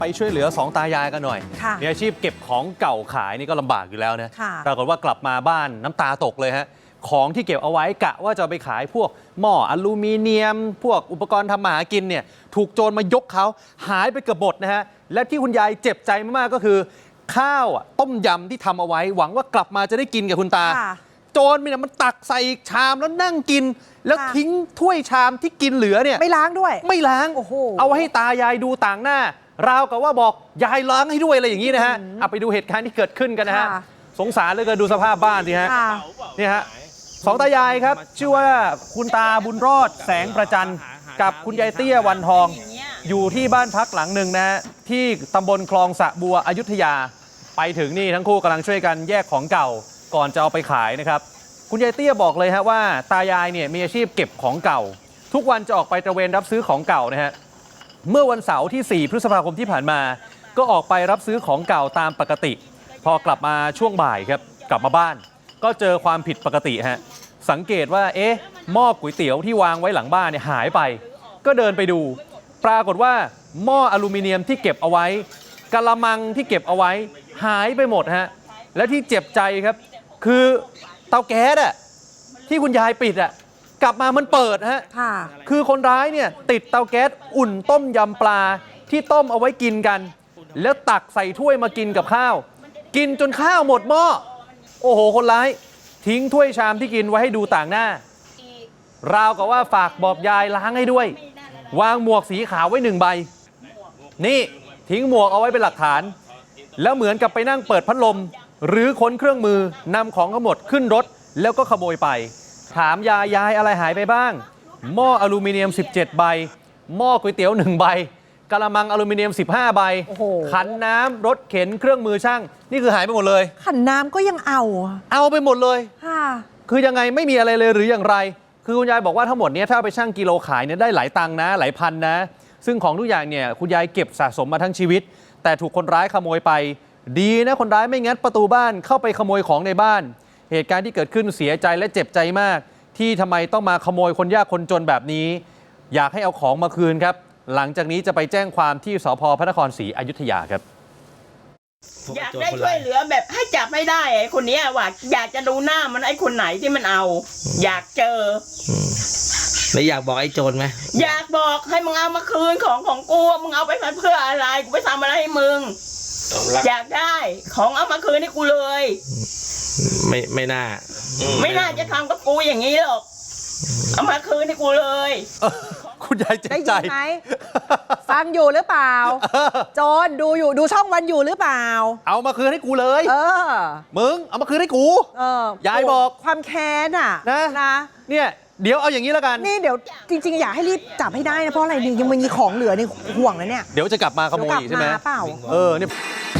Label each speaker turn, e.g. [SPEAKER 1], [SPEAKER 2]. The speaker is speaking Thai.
[SPEAKER 1] ไปช่วยเหลือสองตายายกันหน่อยมีอาชีพเก็บของเก่าขายนี่ก็ลำบากอยู่แล้วนะปรากฏว่ากลับมาบ้านน้ำตาตกเลยฮะของที่เก็บเอาไว้กะว่าจะไปขายพวกหม้ออลูมิเนียมพวกอุปกรณ์ทำมาหากินเนี่ยถูกโจรมายกเขาหายไปเกือบหมดนะฮะและที่คุณยายเจ็บใจมากๆก็คือข้าวต้มยำที่ทำเอาไว้หวังว่ากลับมาจะได้กินกับคุณตาโจรมันตักใส่ชามแล้วนั่งกินแล้วทิ้งถ้วยชามที่กินเหลือเนี่ย
[SPEAKER 2] ไม่ล้างด้วย
[SPEAKER 1] ไม่ล้างเอาไว้ให้ตายายดูต่างหน้าราวกับว่าบอกยายล้างให้ด้วยอะไรอย่างนี้นะฮะเอาไปดูเหตุการณ์ที่เกิดขึ้นกันนะฮะสงสารเหลือเกินดูสภาพบ้านสิฮะนี่ฮะสองตายายครับชื่อว่าคุณตาบุญรอดแสงประจันกับคุณยายเตี้ยวันทองอยู่ที่บ้านพักหลังหนึ่งนะฮะที่ตำบลคลองสะบัวอยุธยาไปถึงนี่ทั้งคู่กำลังช่วยกันแยกของเก่าก่อนจะเอาไปขายนะครับคุณยายเตี้ยบอกเลยฮะว่าตายายเนี่ยมีอาชีพเก็บของเก่าทุกวันจะออกไปตระเวนรับซื้อของเก่านะฮะเมื่อวันเสาร์ที่4 พฤษภาคมที่ผ่านมาก็ออกไปรับซื้อของเก่าตามปกติพอกลับมาช่วงบ่ายครับกลับมาบ้านก็เจอความผิดปกติฮะสังเกตว่าหม้อก๋วยเตี๋ยวที่วางไว้หลังบ้านเนี่ยหายไปก็เดินไปดูปรากฏว่าหม้ออลูมิเนียมที่เก็บเอาไว้กะละมังที่เก็บเอาไว้หายไปหมดฮะและที่เจ็บใจครับคือเตาแก๊สอะที่คุณยายปิดอะกลับมามันเปิดฮะคือคนร้ายเนี่ยติดเตาแก๊สอุ่นต้มยำปลาที่ต้มเอาไว้กินกันแล้วตักใส่ถ้วยมากินกับข้าวกินจนข้าวหมดหม้อโอ้โหคนร้ายทิ้งถ้วยชามที่กินไว้ให้ดูต่างหน้าราวกับว่าฝากบอกยายล้างให้ด้วยวางหมวกสีขาวไว้1 ใบนี่ทิ้งหมวกเอาไว้เป็นหลักฐานแล้วเหมือนกับไปนั่งเปิดพัดลมหรือค้นเครื่องมือนำของทั้งหมดขึ้นรถแล้วก็ขโมยไปถามยายอะไรหายไปบ้างหม้ออลูมิเนียม17 ใบหม้อก๋วยเตี๋ยว1 ใบกะละมังอลูมิเนียม15 ใบขันน้ำรถเข็นเครื่องมือช่างนี่คือหายไปหมดเลย
[SPEAKER 2] ขันน้ำก็ยังเอา
[SPEAKER 1] ไปหมดเลยคือยังไงไม่มีอะไรเลยหรืออย่างไรคือคุณยายบอกว่าทั้งหมดนี้ถ้าไปชั่งกิโลขายเนี่ยได้หลายตังค์นะหลายพันนะซึ่งของทุกอย่างเนี่ยคุณยายเก็บสะสมมาทั้งชีวิตแต่ถูกคนร้ายขโมยไปดีนะคนร้ายไม่งัดประตูบ้านเข้าไปขโมยของในบ้านเหตุการณ์ที่เกิดขึ้นเสียใจและเจ็บใจมากที่ทำไมต้องมาขโมยคนยากคนจนแบบนี้อยากให้เอาของมาคืนครับหลังจากนี้จะไปแจ้งความที่สภ.พระนครศรีอยุธยาครับ
[SPEAKER 3] อยากได้ช่วยเหลือแบบให้จับไม่ได้ไอ้คนนี้ว่าอยากจะดูหน้ามันไอ้คนไหนที่มันเอาอยากเจอ
[SPEAKER 4] ไม่อยากบอกไอ้โจรไหม
[SPEAKER 3] อยากบอกให้มึงเอามาคืนของกูมึงเอาไปเพื่ออะไรกูไปทำอะไรให้มึงอยากได้ของเอามาคืนให้กูเลย
[SPEAKER 4] ไม่น่า
[SPEAKER 3] จะทำกับกูอย่างนี้หรอกเอามาคืนให้กูเลย
[SPEAKER 1] คุณยายเจ็บใจ
[SPEAKER 2] ไหมฟังอยู่หรือเปล่าโจรดูช่องวันอยู่หรือเปล่า
[SPEAKER 1] เอามาคืนให้กูเลยมึงเอามาคืนให้กูยายบอก
[SPEAKER 2] ความแค้นอ่ะ
[SPEAKER 1] นะเนี่ยเดี๋ยวเอาอย่างนี้แล้วกัน
[SPEAKER 2] นี่เดี๋ยวจริงๆอยากให้รีบจับให้ได้นะเพราะอะไรนี่ยังมีของเหลือในห่วงนะเนี่ย
[SPEAKER 1] เดี๋ยวจะกลับมาขโมยอีกใช่ไหม
[SPEAKER 2] เปล่า
[SPEAKER 1] เนี่ย